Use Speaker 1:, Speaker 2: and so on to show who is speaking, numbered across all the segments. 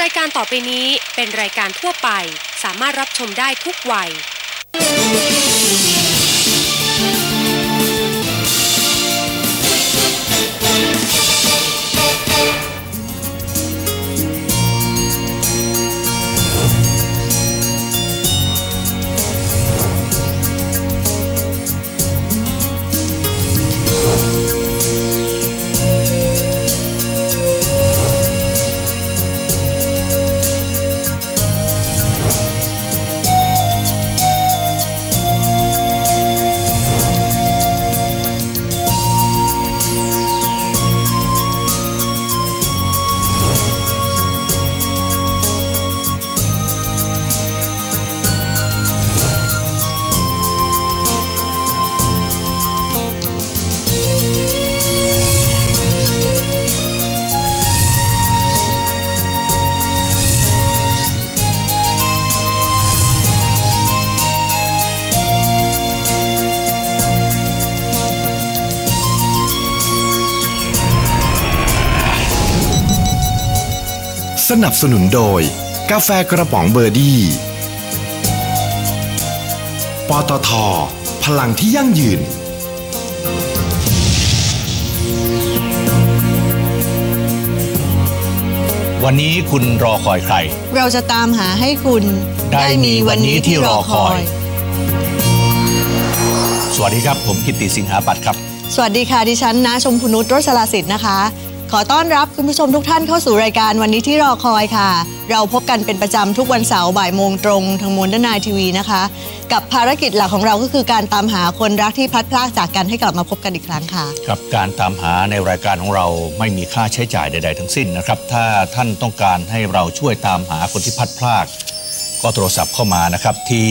Speaker 1: รายการต่อไปนี้เป็นรายการทั่วไปสามารถรับชมได้ทุกวัย
Speaker 2: สนับสนุนโดยกาแฟกระป๋องเบอร์ดี้ปตท.พลังที่ยั่งยืน
Speaker 3: วันนี้คุณรอคอยใคร
Speaker 4: เราจะตามหาให้คุณ
Speaker 3: ได้มีวันนี้ที่รอคอยสวัสดีครับผมกิตติสิงหาปัตย์ครับ
Speaker 4: สวัสดีค่ะดิฉันณชมพูนุช โรจลาสิทธิ์นะคะขอต้อนรับคุณผู้ชมทุกท่านเข้าสู่รายการวันนี้ที่รอคอยค่ะเราพบกันเป็นประจำทุกวันเสาร์บ่ายโมงตรงทางModern Night TVนะคะกับภารกิจหลักของเราก็คือการตามหาคนรักที่พลัดพรากจากกันให้กลับมาพบกันอีกครั้งค่ะ
Speaker 3: ครับการตามหาในรายการของเราไม่มีค่าใช้จ่ายใดๆทั้งสิ้นนะครับถ้าท่านต้องการให้เราช่วยตามหาคนที่พลัดพรากก็โทรศัพท์เข้ามานะครับที่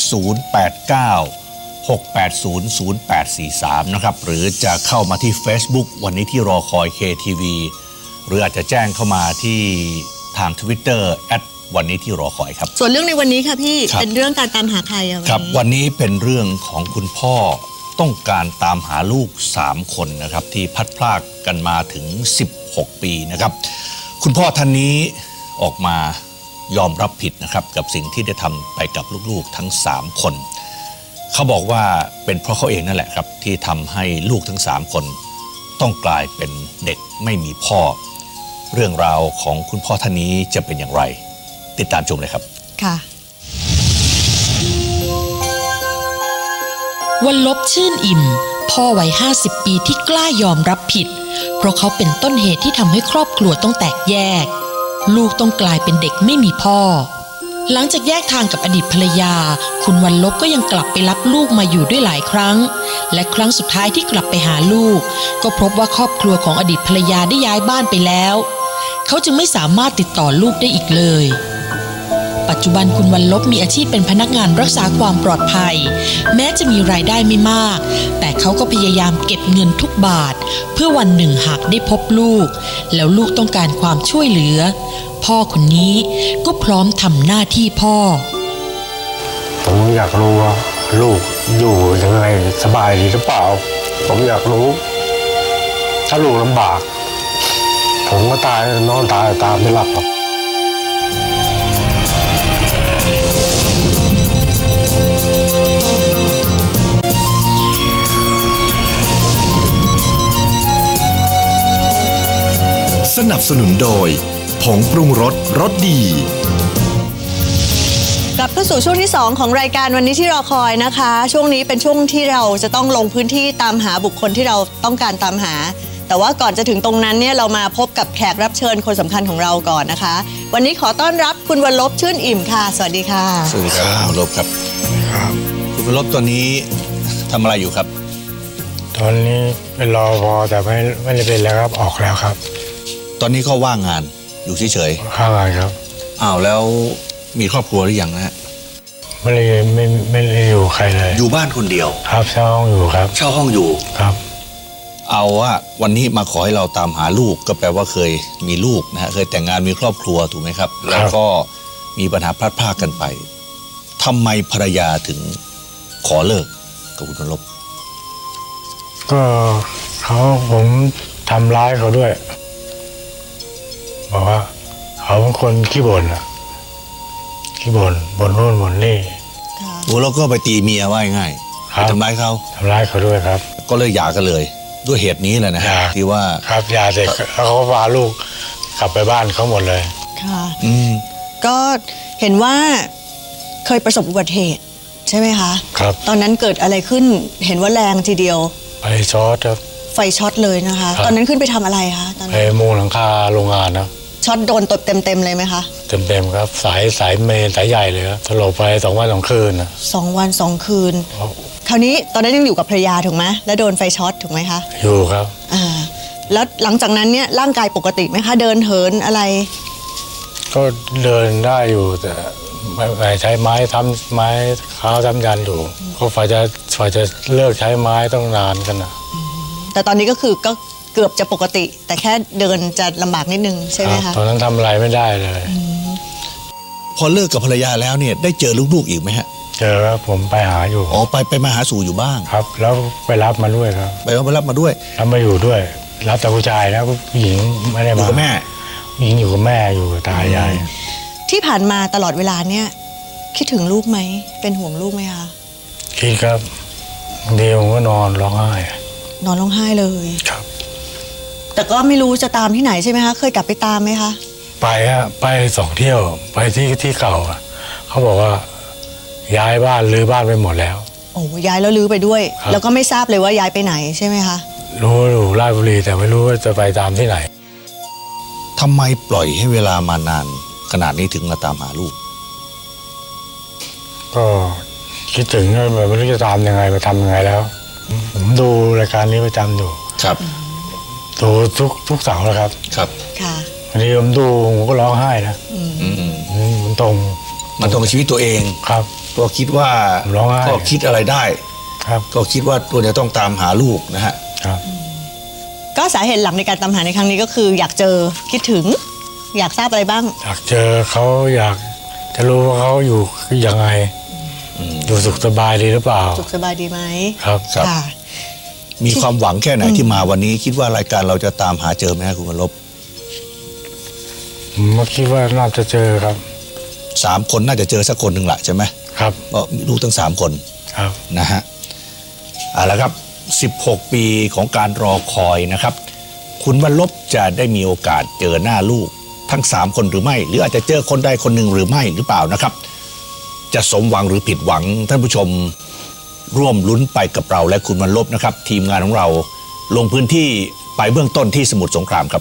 Speaker 3: 089-680-0843นะครับหรือจะเข้ามาที่ Facebook วันนี้ที่รอคอย KTV หรืออาจจะแจ้งเข้ามาที่ทาง Twitter วันนี้ที่รอคอยครับ
Speaker 4: ส่วนเรื่องในวันนี้ค่ะพี่เป็นเรื่องการตามหาใคร
Speaker 3: ครับวันนี้เป็นเรื่องของคุณพ่อต้องการตามหาลูก3คนนะครับที่พลัดพรากกันมาถึง16ปีนะครับคุณพ่อท่านนี้ออกมายอมรับผิดนะครับกับสิ่งที่ได้ทำไปกับลูกๆทั้ง3คนเขาบอกว่าเป็นเพราะเขาเองนั่นแหละครับที่ทำให้ลูกทั้ง3คนต้องกลายเป็นเด็กไม่มีพ่อเรื่องราวของคุณพ่อท่านนี้จะเป็นอย่างไรติดตามชมเลยครับ
Speaker 4: ค่ะ
Speaker 5: วันลบชื่นอิ่มพ่อวัย50 ปีที่กล้ายอมรับผิดเพราะเขาเป็นต้นเหตุที่ทำให้ครอบครัวต้องแตกแยกลูกต้องกลายเป็นเด็กไม่มีพ่อหลังจากแยกทางกับอดีตภรรยาคุณวันลบก็ยังกลับไปรับลูกมาอยู่ด้วยหลายครั้งและครั้งสุดท้ายที่กลับไปหาลูกก็พบว่าครอบครัวของอดีตภรรยาได้ย้ายบ้านไปแล้วเขาจึงไม่สามารถติดต่อลูกได้อีกเลยปัจจุบันคุณวันลบมีอาชีพเป็นพนักงานรักษาความปลอดภัยแม้จะมีรายได้ไม่มากแต่เขาก็พยายามเก็บเงินทุกบาทเพื่อวันหนึ่งหากได้พบลูกแล้วลูกต้องการความช่วยเหลือพ่อคนนี้ก็พร้อมทำหน้าที่พ่อ
Speaker 6: ผมอยากรู้ว่าลูกอยู่ยังไงสบายดีหรือเปล่าผมอยากรู้ถ้าลูกลำบากผมก็ตายนอนตายตามไม่หลับหรอก
Speaker 2: สนับสนุนโดยผงปรุงรสรสดี
Speaker 4: กลับเข้าสู่ช่วงที่2ของรายการวันนี้ที่รอคอยนะคะช่วงนี้เป็นช่วงที่เราจะต้องลงพื้นที่ตามหาบุคคลที่เราต้องการตามหาแต่ว่าก่อนจะถึงตรงนั้นเนี่ยเรามาพบกับแขกรับเชิญคนสำคัญของเราก่อนนะคะวันนี้ขอต้อนรับคุณวันลบชื่นอิ่มค่ะสวัสดีค่ะ
Speaker 3: สวัสดีครับคุณวันลบครับคุณวันลบตอนนี้ทำอะไรอยู่ครับ
Speaker 6: ตอนนี้เป็นรอพอแต่ไม่ได้เป็นแล้วครับออกแล้วครับ
Speaker 3: ตอนนี้ก็ว่างงานอยู่เฉย
Speaker 6: ๆว่างงานครับ
Speaker 3: อ้าวแล้วมีครอบครัวหรือยังนะฮะ
Speaker 6: ไม่ได้อยู่ใครเลย
Speaker 3: อยู่บ้านคนเดียว
Speaker 6: ครับเช่าห้องอยู่ครับ
Speaker 3: เช่าห้องอยู่
Speaker 6: ครับ
Speaker 3: เอาว่าวันนี้มาขอให้เราตามหาลูกก็แปลว่าเคยมีลูกนะฮะเคยแต่งงานมีครอบครัวถูกไหมครับแล้วก็มีปัญหาพลัดพรากกันไปทำไมภรรยาถึงขอเลิกกับคุณวันลบ
Speaker 6: ก็ผมทำร้ายเขาด้วยบอกว่าเขาเขาเป็นคนขี้บ่นอะขี้บ่นนู่นบ่นนี่
Speaker 4: ค่ะ
Speaker 3: โอ้แล้วก็ไปตีเมียว่าง่าย
Speaker 6: ครั
Speaker 3: ไป
Speaker 6: บ
Speaker 3: ทำร้ายเขา
Speaker 6: ทำร้ายเขาด้วยครับ
Speaker 3: ก็เลยหย่ากันเลยด้วยเหตุนี้แหละนะฮะ
Speaker 6: หย่า
Speaker 3: ที่ว่า
Speaker 6: ครับยาเด็กแล้วเขาก็พาลูกกลับไปบ้านเขาหมดเลย
Speaker 4: ค่ะ
Speaker 3: อืม
Speaker 4: ก็เห็นว่าเคยประสบอุบัติเหตุใช่ไหมคะ
Speaker 6: ครับ
Speaker 4: ตอนนั้นเกิดอะไรขึ้นเห็นว่าแรงทีเดียว
Speaker 6: ไปช็อตครับ
Speaker 4: ไฟช็อตเลยนะคะ
Speaker 6: ครับ
Speaker 4: ตอนนั้นขึ้นไปทำอะไรคะตอน
Speaker 6: ไป
Speaker 4: นั้น
Speaker 6: มุงหลังคาโรงงานนะ
Speaker 4: ช็อตโดนตบเต็มๆเลยไหมคะ
Speaker 6: เต็มครับสายเมนสายใหญ่เลยครับสลบไป2 วัน 2 คืนนะ
Speaker 4: 2 วัน 2 คืน
Speaker 6: ครับ
Speaker 4: คราวนี้ตอนนั้นยังอยู่กับภรรยาถูกไหมแล้วโดนไฟช็อตถูกไหมคะ
Speaker 6: อยู่ครับ
Speaker 4: อ่าแล้วหลังจากนั้นเนี่ยร่างกายปกติไหมคะ เดินเหินอะไร
Speaker 6: ก็เดินได้อยู่แต่ไม่ใช้ไม้ทำไม้เท้าทำยันอยู่ก็ฝ่ายจะเลิกใช้ไม้ต้องนานกันนะ
Speaker 4: แต่ตอนนี้ก็คือก็เกือบจะปกติ แต่แค่เดินจะลำบากนิดนึงใช่ไหม
Speaker 6: ครั
Speaker 4: คะ
Speaker 6: บตอนนั้นทำอะไรไม่ได้เลย
Speaker 3: พอเลิกกับภรรยาแล้วเนี่ยได้เจอลูกๆอีกไหมฮะ
Speaker 6: เจอครับผมไปหาอยู่
Speaker 3: อ๋อไปมาหาสู่อยู่บ้าง
Speaker 6: ครับ แล้วไปรับมาด้วยครับ
Speaker 3: ไปรับมาด้วย
Speaker 6: รับมาอยู่ด้วย รับแต่ผู้ชายนะผู้หญิงไม่ได้
Speaker 3: อยู่
Speaker 6: มา
Speaker 3: กับแม่
Speaker 6: ผู้หญิงอยู่กับแม่อยู่กับตายาย
Speaker 4: ที่ผ่านมาตลอดเวลาเนี่ยคิดถึงลูกไหมเป็นห่วงลูกไหมคะ
Speaker 6: คิดครับบางทีผมก็นอนร้องไห้
Speaker 4: นอนร้องไห้เลย
Speaker 6: ครับ
Speaker 4: แต่ก็ไม่รู้จะตามที่ไหนใช่ไหมคะเคยกลับไปตามไหมคะ
Speaker 6: ไปฮะไป2 เที่ยวไปที่เก่าอะเขาบอกว่าย้ายบ้านรื้อบ้านไปหมดแล้ว
Speaker 4: โอ้ย้ายแล้วลื้อไปด้วย
Speaker 6: ครับ
Speaker 4: แล้วก็ไม่ทราบเลยว่าย้ายไปไหนใช่ไหมคะ
Speaker 6: รู้อยู่ราชบุรีแต่ไม่รู้ว่าจะไปตามที่ไหน
Speaker 3: ทำไมปล่อยให้เวลามานานขนาดนี้ถึงมาตามหาลูก
Speaker 6: ก็คิดถึงแบบไม่รู้จะตามยังไงไปทำยังไงแล้ว ผมดูรายการนี้ประจำอยู่
Speaker 3: ครับ
Speaker 6: ดูทุกเสาร์แล้วครับ
Speaker 3: ครับ
Speaker 4: ค่ะ
Speaker 6: วันนี้ผมดูผมก็ร้องไห้นะ
Speaker 3: อืม
Speaker 6: มันตรง
Speaker 3: มันตรงกับชีวิตตัวเอง
Speaker 6: ครับ
Speaker 3: ก็คิดว่า
Speaker 6: ร้องไห้
Speaker 3: ก็คิดอะไรได้
Speaker 6: ครับ
Speaker 3: ก็คิดว่าตัวจะต้องตามหาลูกนะฮะ
Speaker 6: ครับ
Speaker 4: ก็สาเหตุหลักในการตามหาในครั้งนี้ก็คืออยากเจอคิดถึง อยากทราบอะไรบ้าง
Speaker 6: อยากเจอเขาอยากจะรู้ว่าเขาอยู่ยังไงอยู่สุขสบายดีหรือเปล่า
Speaker 4: สุขสบายดีไหม
Speaker 6: ครับ
Speaker 3: ครับ
Speaker 4: ค่ะ
Speaker 3: มีความหวังแค่ไหนที่มาวันนี้ คิดว่ารายการเราจะตามหาเจอไหมฮะคุณวรลบ
Speaker 6: ผมก็คิดว่าน่าจะเจอครับ
Speaker 3: 3 คนน่าจะเจอสักคนหนึ่งแหละใช่ไหม
Speaker 6: ครับ
Speaker 3: ก็มีลูกทั้ง3 คน
Speaker 6: ครับ
Speaker 3: นะฮะเอาละครับ 16 ปีของการรอคอยนะครับ คุณวรลบจะได้มีโอกาสเจอหน้าลูกทั้ง 3 คนหรือไม่ หรืออาจจะเจอคนใดคนหนึ่งหรือไม่หรือเปล่านะครับ จะสมหวังหรือผิดหวังท่านผู้ชมร่วมลุ้นไปกับเราและคุณวรลบนะครับ ทีมงานของเราลงพื้นที่ไปเบื้องต้นที่สมุทรสงครามครับ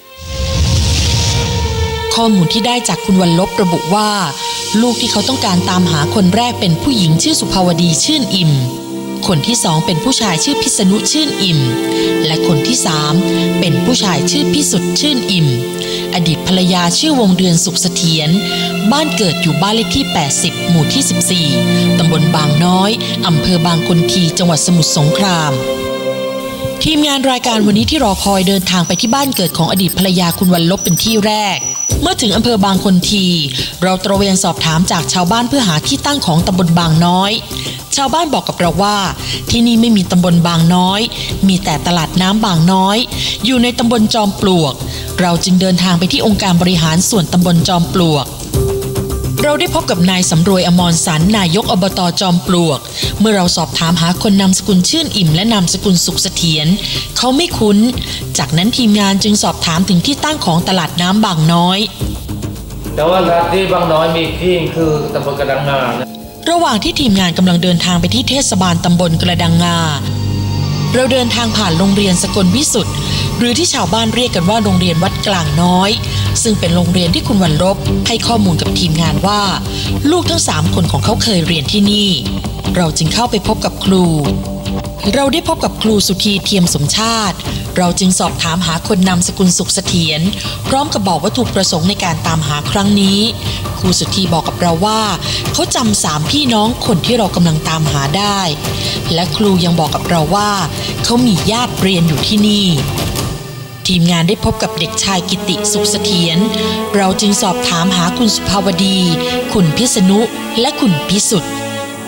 Speaker 5: ข้อมูลที่ได้จากคุณวรลบระบุว่า ลูกที่เขาต้องการตามหาคนแรกเป็นผู้หญิงชื่อสุภาวดีชื่นอิ่ม คนที่สองเป็นผู้ชายชื่อพิษณุชื่นอิ่ม และคนที่สามเป็นผู้ชายชื่อพิสุทธิ์ชื่นอิ่ม อดีตภรรยาชื่อวงเดือนสุขเสถียรบ้านเกิดอยู่บ้านเลขที่ 80 หมู่ที่ 14 ตำบลบางน้อย อำเภอบางคนทีจังหวัดสมุทรสงคราม ทีมงานรายการวันนี้ที่รอคอยเดินทางไปที่บ้านเกิดของอดีตภรรยาคุณวรลบเป็นที่แรก เมื่อถึงอำเภอบางคนทีเราตระเวนสอบถามจากชาวบ้านเพื่อหาที่ตั้งของตำบลบางน้อย ชาวบ้านบอกกับเราว่าที่นี่ไม่มีตำบลบางน้อยมีแต่ตลาดน้ำบางน้อยอยู่ในตำบลจอมปลวกเราจึงเดินทางไปที่องค์การบริหารส่วนตำบลจอมปลวกเราได้พบกับนายสำรวยอมรสันนายกอบต.จอมปลวกเมื่อเราสอบถามหาคนนามสกุลชื่นอิ่มและนามสกุลสุขเสถียรเขาไม่คุ้นจากนั้นทีมงานจึงสอบถามถึงที่ตั้งของตลาดน้ำบางน้อย
Speaker 7: แต่ว่าที่บางน้อยมีที่คือตำบลกระดังงานะ
Speaker 5: ระหว่างที่ทีมงานกำลังเดินทางไปที่เทศบาลตำบลกระดังงาเราเดินทางผ่านโรงเรียนสกลวิสุทธิ์หรือที่ชาวบ้านเรียกกันว่าโรงเรียนวัดกลางน้อยซึ่งเป็นโรงเรียนที่คุณวรลบให้ข้อมูลกับทีมงานว่าลูกทั้ง3 คนของเขาเคยเรียนที่นี่เราจึงเข้าไปพบกับครูเราได้พบกับครูสุธีเทียมสมชาติเราจึงสอบถามหาคนนามสกุลสุขเสถียรพร้อมกับบอกวัตถุประสงค์ในการตามหาครั้งนี้ครูสุธีบอกกับเราว่าเขาจำ3 พี่น้องคนที่เรากำลังตามหาได้และครูยังบอกกับเราว่าเขามีญาติเรียนอยู่ที่นี่ทีมงานได้พบกับเด็กชายกิติสุขเสถียรเราจึงสอบถามหาคุณสุภาวดีคุณพิษณุและคุณพิสุทธิ์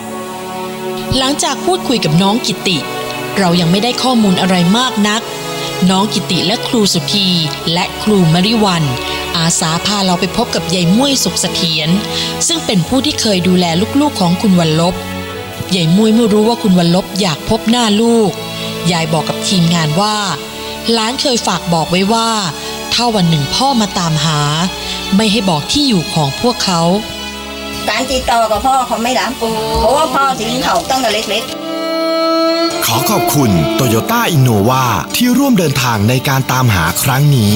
Speaker 5: หลังจากพูดคุยกับน้องกิติเรายังไม่ได้ข้อมูลอะไรมากนักน้องกิติและครูสุธีและครูมริวันอาสาพาเราไปพบกับยายม่วยสุขเสถียรซึ่งเป็นผู้ที่เคยดูแลลูกๆของคุณวรลบยายม่วยเมื่อรู้ว่าคุณวรลบอยากพบหน้าลูกยายบอกกับทีมงานว่าหลานเคยฝากบอกไว้ว่าถ้าวันหนึ่งพ่อมาตามหาไม่ให้บอกที่อยู่ของพวกเขา
Speaker 8: การติดต่อกับพ่อเขาไม่รับเพราะว่าพ่อทิ้งเขาตั้งแต่เล็ก
Speaker 2: ขอขอบคุณ Toyota Innova ที่ร่วมเดินทางในการตามหาครั้งนี้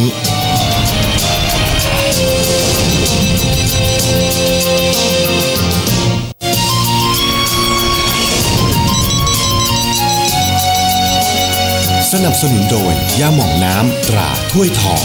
Speaker 2: สนับสนุนโดยยาหม่องน้ำตราถ้วยทอง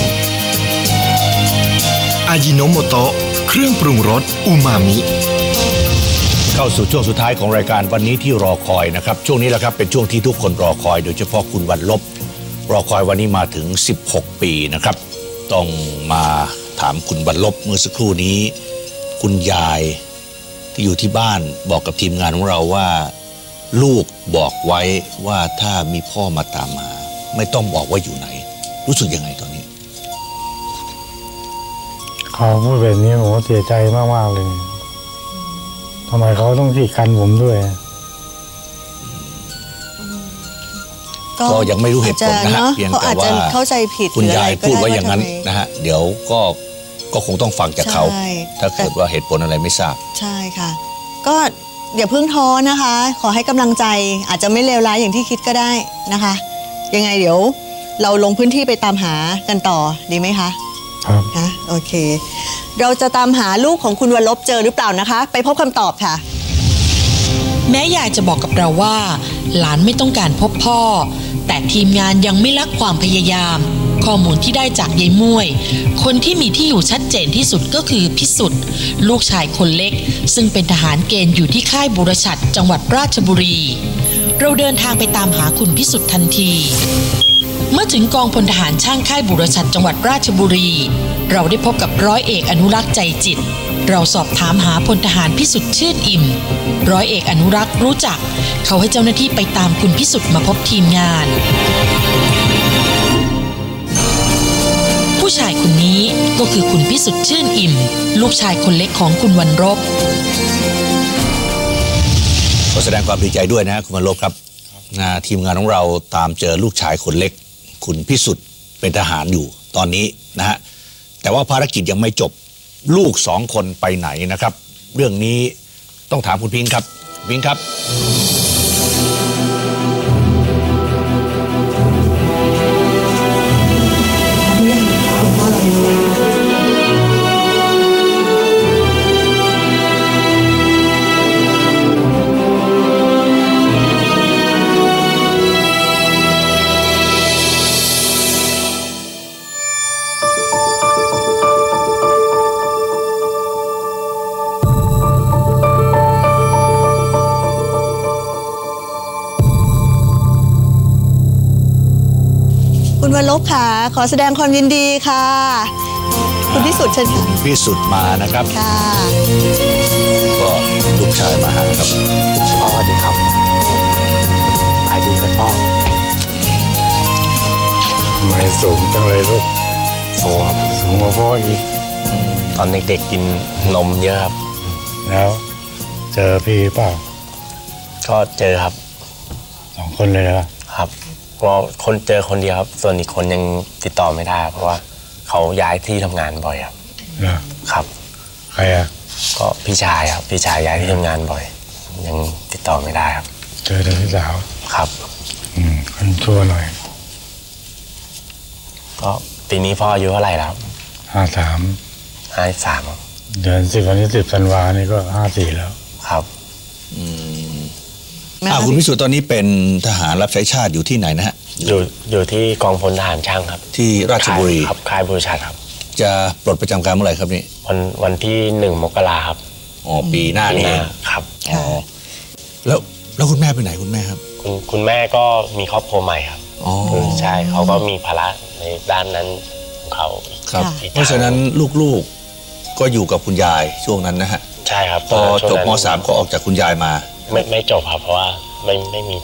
Speaker 2: อายิโนโมโตะเครื่องปรุงรสอูมามิ
Speaker 3: เข้าสู่ช่วงสุดท้ายของรายการวันนี้ที่รอคอยนะครับช่วงนี้แหละครับเป็นช่วงที่ทุกคนรอคอยโดยเฉพาะคุณวรลบรอคอยวันนี้มาถึง16ปีนะครับต้องมาถามคุณวรลบเมื่อสักครู่นี้คุณยายที่อยู่ที่บ้านบอกกับทีมงานของเราว่าลูกบอกไว้ว่าถ้ามีพ่อมาตามหาไม่ต้องบอกว่าอยู่ไหนรู้สึกยังไงตอนนี้
Speaker 6: เขาพูดแบบนี้ผมเสียใจมากๆเลยทำไมเขาต้องที่กันผมด้วย
Speaker 3: ก็ยังไม่รู้เหตุผลนะฮะเพียงแต่ว่า
Speaker 4: เข้าใจผิด
Speaker 3: คุณยายพูดไว้อย่างนั้นนะฮะเดี๋ยวก็คงต้องฟังจากเขาถ้าเกิดว่าเหตุผลอะไรไม่ทราบ
Speaker 4: ใช่ค่ะก็อย่าเพิ่งท้อนะคะขอให้กำลังใจอาจจะไม่เลวร้ายอย่างที่คิดก็ได้นะคะยังไงเดี๋ยวเราลงพื้นที่ไปตามหากันต่อดีไหมคะ
Speaker 6: ครับ
Speaker 4: นะโอเคเราจะตามหาลูกของคุณวรลบเจอหรือเปล่านะคะไปพบคำตอบค่ะ
Speaker 5: แม้ยายจะบอกกับเราว่าหลานไม่ต้องการพบพ่อแต่ทีมงานยังไม่ละความพยายามข้อมูลที่ได้จากยายม่วยคนที่มีที่อยู่ชัดเจนที่สุดก็คือพิสุทธิ์ลูกชายคนเล็กซึ่งเป็นทหารเกณฑ์อยู่ที่ค่ายบุรชัดจังหวัดราชบุรีเราเดินทางไปตามหาคุณพิสุทธิ์ทันทีเมื่อถึงกองพลทหารช่างค่ายบุรชัดจังหวัดราชบุรีเราได้พบกับร้อยเอกอนุรักษ์ใจจิตเราสอบถามหาพลทหารพิสุทธิ์ชื่นอิ่มร้อยเอกอนุรักษ์รู้จักเขาให้เจ้าหน้าที่ไปตามคุณพิสุทธิ์มาพบทีมงานผู้ชายคนนี้ก็คือคุณพิสุทธิ์ชื่นอิ่มลูกชายคนเล็กของคุณวรลบ
Speaker 3: ขอแสดงความดีใจด้วยนะคุณวรลบครับทีมงานของเราตามเจอลูกชายคนเล็กคุณพิสุทธิ์เป็นทหารอยู่ตอนนี้นะฮะแต่ว่าภารกิจยังไม่จบลูก2 คนไปไหนนะครับเรื่องนี้ต้องถามคุณพิงค์ครับพิงค์ครับ
Speaker 4: คุณวรลบค่ะขอแสดงความยินดีค่ะคุณพิสุทธิ์เชิญค่ะ
Speaker 3: พิสุทธิ์มานะครับ
Speaker 4: ค่ะ
Speaker 3: ก็ลูกชายมาหาครับ
Speaker 6: พ่อสวัสดีครับสวัสดีครับพ่อไม่สูงจังเลยลูกสูงกว่าพ่ออีก
Speaker 9: ตอนเด็กๆกินนมเยอะครับ
Speaker 6: แล้วเจอพี่เปล่า
Speaker 9: ก็เจอครับ
Speaker 6: 2 คนเลย
Speaker 9: ครับก็คนเจอคนเดียวครับส่วนอีกคนยังติดต่อไม่ได้เพราะว่าเขาย้ายที่ทำงานบ่อยครับครับ
Speaker 6: ใครอ่ะ
Speaker 9: ก็พี่ชายครับพี่ชายย้ายที่ทำงานบ่อยยังติดต่อไม่ได้ครับ
Speaker 6: เจอแต่พี่สาว
Speaker 9: ครับ
Speaker 6: คนชั่วหน่อย
Speaker 9: ก็ปีนี้พ่ออายุเท่าไหร่แล้ว
Speaker 6: 53เดือน10วันที่10ธันวานี่ก็54แล้ว
Speaker 9: ครับ
Speaker 3: คุณพิสุทธิ์ตอนนี้เป็นทหารรับใช้ชาติอยู่ที่ไหนนะฮะ
Speaker 9: อยู่ที่กองพลทหารช่างครับ
Speaker 3: ที่ราชบุรี
Speaker 9: ครับค่ายบุรชัดครับ
Speaker 3: จะปลดประจำการเมื่อไหร่ครับนี่
Speaker 9: วันที่1 มกราครับ
Speaker 3: ปีหน้านี่
Speaker 9: ครับ
Speaker 3: แล้วคุณแม่ไปไหนคุณแม่ครับ
Speaker 9: คุณแม่ก็มีครอบครัวใหม่ครับใช่เขาก็มีภาระในด้านนั้นของเขา
Speaker 3: ครับเพราะฉะนั้นลูกๆก็อยู่กับคุณยายช่วงนั้นนะฮะ
Speaker 9: ใช่ครับ
Speaker 3: พอจบม.3ก็ออกจากคุณยายมา
Speaker 9: ไม่จบครับเพราะว่าไม่มี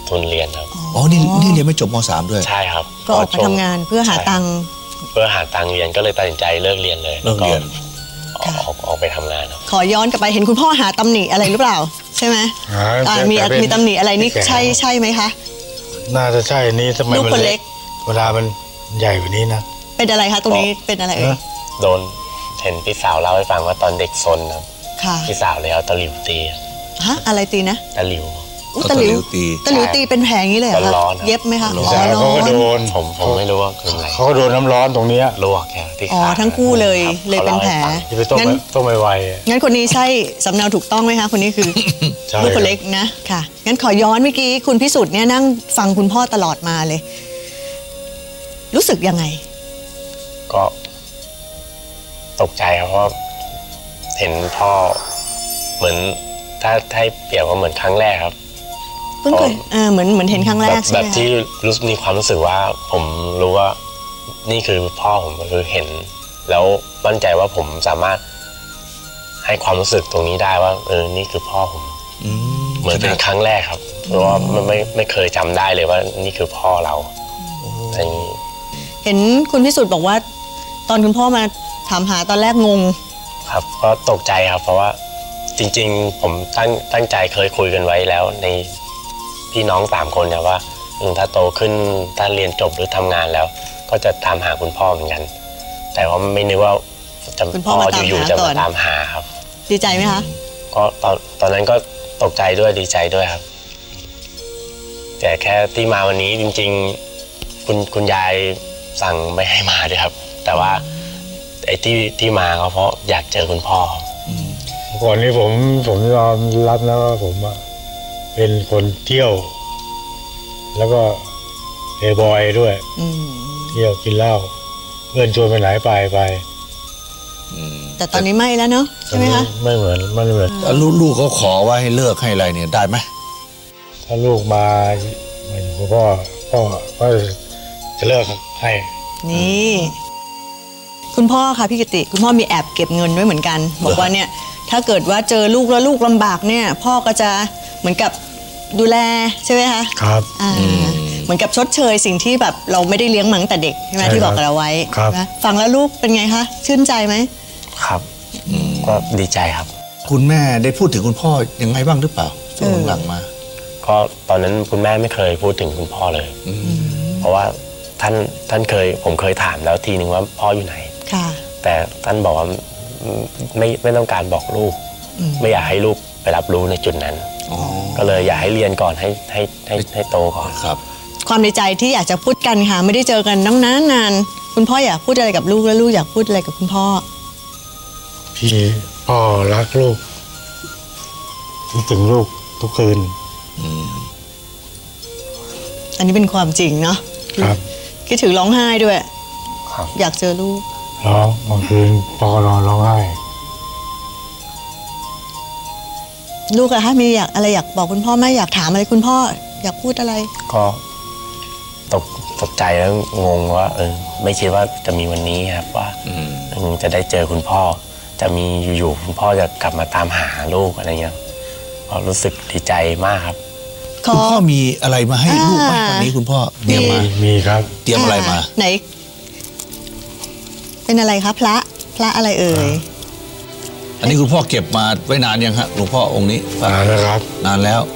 Speaker 9: ทุนเรียนครับ
Speaker 3: อ๋อนี่เรียนไม่จบม.3 ด้วย
Speaker 9: ใช่ครับ
Speaker 4: ก็ออกมาทำงานเพื่อหาตังค์
Speaker 9: เพื่อหาตังค์เรียนก็เลยตัดสินใจเลิกเรียนเลย
Speaker 3: เลิกเรียน
Speaker 9: แล้วก็ออกไปทำงานครับ
Speaker 4: ขอย้อนกลับไปเห็นคุณพ่อหาตำหนิอะไรหรือเปล่า ใช่ไหมมีตำหนิอะไรนี่ใช่ไหมคะ
Speaker 6: น่าจะใช่นี่ทำไม
Speaker 4: ลูก
Speaker 6: มัน
Speaker 4: คนเล็
Speaker 6: เล็
Speaker 4: ก
Speaker 6: กเวลามันใหญ่กว่านี้นะ
Speaker 4: เป็นอะไรคะตรงนี้เป็นอะไรเอ่ย
Speaker 9: โดนเห็นพี่สาวเล่าให้ฟังว่าตอนเด็กซนครับ
Speaker 4: ค่ะ
Speaker 9: พี่สาวเลยเอาตะหลิวตี
Speaker 4: ฮะอะไรตีนะ
Speaker 9: ตะหลิว
Speaker 4: อุ๊ย
Speaker 3: เอา
Speaker 4: ตะหลิว
Speaker 3: ตี
Speaker 4: ตะหลิวตีเป็นแผลอย่างนี้เลยเหรอคะ
Speaker 9: ร้อนๆครับ
Speaker 4: เย็บไหมคะ
Speaker 3: ร้อน
Speaker 4: อ๋อ
Speaker 6: แล้วเขาก็โดน
Speaker 9: ผมไม่รู้ว่าคืออะไร
Speaker 6: เขาก็โดนน้ำร้อนตรงเนี้ย
Speaker 9: ลวกแค่ที่
Speaker 4: อ๋อ
Speaker 9: ขา
Speaker 4: ทั้งคู่เลย
Speaker 9: ครับ
Speaker 4: เลยเป็นแผล
Speaker 6: ที่ไปต้ม
Speaker 4: งั้น
Speaker 6: ต้มไว
Speaker 4: งั้นคนนี้ใช่สำเนาถูกต้องไหมคะคนนี้คือ
Speaker 6: ใช่
Speaker 4: ลูกคนเล็กนะค่ะงั้นขอย้อนเมื่อกี้คุณพิสุทธิ์เนี่ยนั่งฟังคุณพ่อตลอดมาเลย รู้สึกยังไง
Speaker 9: ก็ตกใจครับเพราะเห็นพ่อเหมือนถ้าให้เปรียบว่าเหมือนครั้งแรกครับ
Speaker 4: เพิ่งเคยเหมือนเห็นครั้งแรกใช่
Speaker 9: แบ
Speaker 4: ไหม
Speaker 9: บ
Speaker 4: คะ
Speaker 9: ที่มีความรู้สึกว่าผมรู้ว่านี่คือพ่อผมคือเห็น แล้วมั่นใจว่าผมสามารถให้ความรู้สึกตรงนี้ได้ว่านี่คือพ่อผมเหมือนเป็นครั้งแรกครับเพราะว่าไม่เคยจำได้เลยว่านี่คือพ่อเราอะไรอย่างนี้
Speaker 4: เห็นคุณพิสุทธิ์บอกว่า ตอนคุณพ่อมาถามหาตอนแรกงง
Speaker 9: ครับก็ตกใจครับเพราะว่าจริงๆผมตั้งใจเคยคุยกันไว้แล้วในพี่น้อง3 คนเนี่ยว่าถ้าโตขึ้นถ้าเรียนจบหรือทำงานแล้ว ก็จะตามหาคุณพ่อเหมือนกัน แต่ว่าไม่นึกว่าจะ
Speaker 4: คุณพ่อมาตามหา
Speaker 9: อยู่ๆจะ
Speaker 4: ก่อ
Speaker 9: มาน ตามหาครับ
Speaker 4: ดีใจไหมคะ
Speaker 9: ก็ตอนนั้นก็ตกใจด้วยดีใจด้วยครับ แต่แค่ที่มาวันนี้จริงๆคุณยายสั่งไม่ให้มาด้วยครับ แต่ว่าไอ้ที่มาก็เพราะอยากเจอคุณพ่อ
Speaker 6: ๆก่อนนี้ผมยอมรับนะว่าผมอะเป็นคนเที่ยว แล้วก็เฮบอยด้วย
Speaker 4: อืม
Speaker 6: เที่ยวกินเหล้าเพื่อนชวนไปไหนไป
Speaker 4: แต่ตอนนี้ไม่แล้วเนาะใช่ไหมคะ
Speaker 6: ไม่เหมือนมันเหมือน
Speaker 3: แล้วลูกเขาขอว่าให้เลิกให้อะไรเนี่ยได้ไหม
Speaker 6: ถ้าลูกมาอยู่กับพ่อก็จะเลิกให้
Speaker 4: นี่ คุณพ่อค่ะพี่กิติคุณพ่อมีแอบเก็บเงินไว้เหมือนกัน บอกว่าเนี่ยถ้าเกิดว่าเจอลูกแล้วลูกลำบากเนี่ย พ่อก็จะเหมือนกับดูแลใช่ไหมคะ
Speaker 6: ครับ
Speaker 4: เหมือนกับชดเชยสิ่งที่แบบเราไม่ได้เลี้ยงมาตั้งแต่เด็กใช่ไหม
Speaker 6: ใช่
Speaker 4: ที่บอกกับเราไว้
Speaker 6: ครับ
Speaker 4: นะฟังแล้วลูกเป็นไงคะชื่นใจไหม
Speaker 9: ครับก็ดีใจครับ
Speaker 3: คุณแม่ได้พูดถึงคุณพ่อยังไงบ้างหรือเปล่าช่วงหลังๆมา
Speaker 9: ก็ตอนนั้นคุณแม่ไม่เคยพูดถึงคุณพ่อเลย เพราะว่าท่านผมเคยถามแล้วทีนึงว่าพ่ออยู่ไหน
Speaker 4: ค่ะ
Speaker 9: แต่ท่านบอกว่าไม่ต้องการบอกลูก ไม่อยากให้ลูกไปรับรู้ในจุดนั้น ก็เลยอยากให้เรียนก่อนให้โตก่อน
Speaker 3: ครับ
Speaker 4: ความในใจที่อยากจะพูดกันค่ะ ไม่ได้เจอกันนานคุณพ่ออยากพูดอะไรกับลูกแล้วลูกอยากพูดอะไรกับคุณพ่อ
Speaker 6: พี่พ่อรักลูกคิดถึงลูกทุกคืน
Speaker 4: อันนี้เป็นความจริงเนาะ
Speaker 6: ครับ
Speaker 4: คิดถึงร้องไห้ด้วย
Speaker 9: ครับ
Speaker 4: อยากเจอลูก
Speaker 6: ร้องบางคืนพ่อก็นอนร้องไห้
Speaker 4: ลูกอะคะมีอะไรอยากบอกคุณพ่อไหมอยากถามอะไรคุณพ่อ อยากพูดอะไร
Speaker 9: ก็ตกใจแล้วงงว่าไม่คิดว่าจะมีวันนี้ครับว่าจะได้เจอคุณพ่อ จะมีอยู่ๆคุณพ่อจะกลับมาตามหาลูกอะไรเงี้ยก็รู้สึกดีใจมากครับ
Speaker 3: คุณพ่อมีอะไรมาให้ลูกไหมวันนี้คุณพ่อเตรียมมา
Speaker 6: มีครับ
Speaker 3: เตรียมอะไรมา
Speaker 4: ไหน เป็นอะไรคะพระอะไรเอ่ย
Speaker 3: อันนี้คุณพ่อเก็บมาไว้นานยังฮะหลวงพ่อองค์นี้
Speaker 6: นานแล้วครับ
Speaker 3: นานแล้ว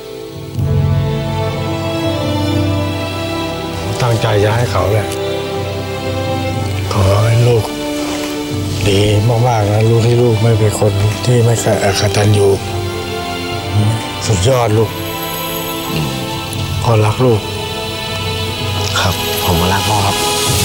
Speaker 6: ตั้งใจจะให้เขาแหละขอให้ลูกดีมากๆนะลูกที่ลูกไม่เป็นคนที่ไม่กตัญญูสุดยอดลูกพ่อรักลูก
Speaker 9: ครับ ผมก็รักพ่อครับ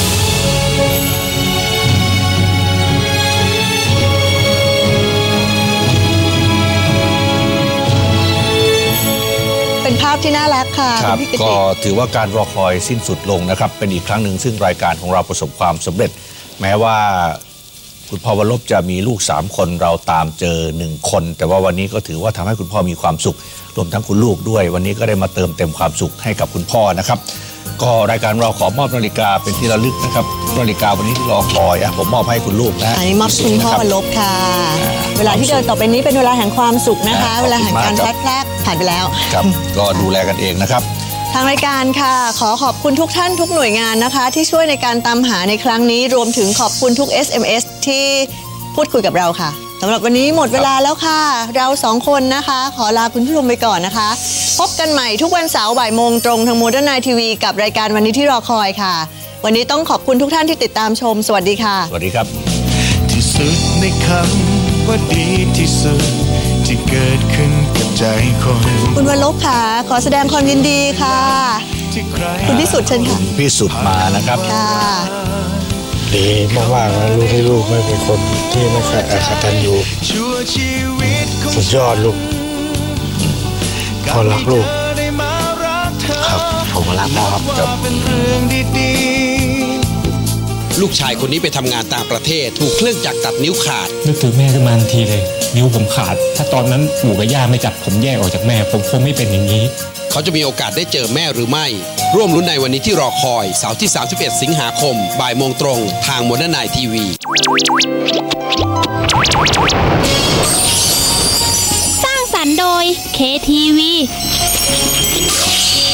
Speaker 4: เป็นภาพที่น่ารักค่ะ
Speaker 3: ครับ
Speaker 4: พี่กิ
Speaker 3: ก็
Speaker 4: ติ
Speaker 3: ถือว่าการรอคอยสิ้นสุดลงนะครับ เป็นอีกครั้งหนึ่งซึ่งรายการของเราประสบความสำเร็จ แม้ว่าคุณพ่อวรลบจะมีลูก3 คนเราตามเจอ1 คน แต่ว่าวันนี้ก็ถือว่าทำให้คุณพ่อมีความสุขรวมทั้งคุณลูกด้วย วันนี้ก็ได้มาเติมเต็มความสุขให้กับคุณพ่อนะครับก็รายการเราขอมอบนาฬิกาเป็นที่ระลึกนะครับนาฬิกาวันนี้ที่รอคอยผมมอบให้คุณลูกนะ
Speaker 4: อันนี้มอบคุณพ่อวรลบค่ะ เวลาที่เดินต่อไปนี้เป็นเวลาแห่งความสุขนะคะ เวลาแห่งการพลัดพรากผ่านไปแล้ว
Speaker 3: ครับก็ดูแลกันเองนะครับ
Speaker 4: ทางรายการค่ะขอขอบคุณทุกท่านทุกหน่วยงานนะคะ ที่ช่วยในการตามหาในครั้งนี้รวมถึงขอบคุณทุก SMS ที่พูดคุยกับเราค่ะสำหรับวันนี้หมดเวลาแล้วค่ะ เรา2 คนนะคะ ขอลาคุณผู้ชมไปก่อนนะคะ พบกันใหม่ทุกวันเสาร์บ่ายโมงตรงทาง Modern Night TV กับรายการวันนี้ที่รอคอยค่ะ วันนี้ต้องขอบคุณทุกท่านที่ติดตามชมสวัสดีค่ะ
Speaker 3: สวัสดีครับ
Speaker 10: ที่สุดในคำว่าดีที่สุดที่เกิดขึ้นกับใจคน
Speaker 4: คุณวรลบค่ะขอแสดงความยินดีค่ะ
Speaker 10: ที่ใคร
Speaker 4: คุณพิสุทธิ์เชิญค่ะ
Speaker 3: พิสุทธิ์มานะครับ
Speaker 4: ค่ะ
Speaker 6: ดีมากๆนะลูกที่ลูกไม่เป็นคนที่ไม่เคยกตัญญู
Speaker 10: ชั่วชีวิตของ
Speaker 6: สุดยอดลูกพ่อรักลูก
Speaker 10: ได้มารักเธอ
Speaker 9: ครับ ผมก็รักพ่อครับ
Speaker 10: ว่าเป็นเรื่องดีๆ
Speaker 11: ลูกชายคนนี้ไปทำงานต่างประเทศถูกเครื่องจักรตัดนิ้วขาด
Speaker 12: นึกถึงแม่ขึ้นมาทันทีเลย นิ้วผมขาด ถ้าตอนนั้นปู่กับย่าไม่จับผมแยกออกจากแม่ ผมคงไม่เป็นอย่างนี้
Speaker 11: เขาจะมีโอกาสได้เจอแม่หรือไม่ ร่วมลุ้นในวันนี้ที่รอคอยเสาร์ที่ 31 สิงหาคมบ่ายโมงตรงทาง Modern Night TV
Speaker 13: สร้างสรรค์โดย KTV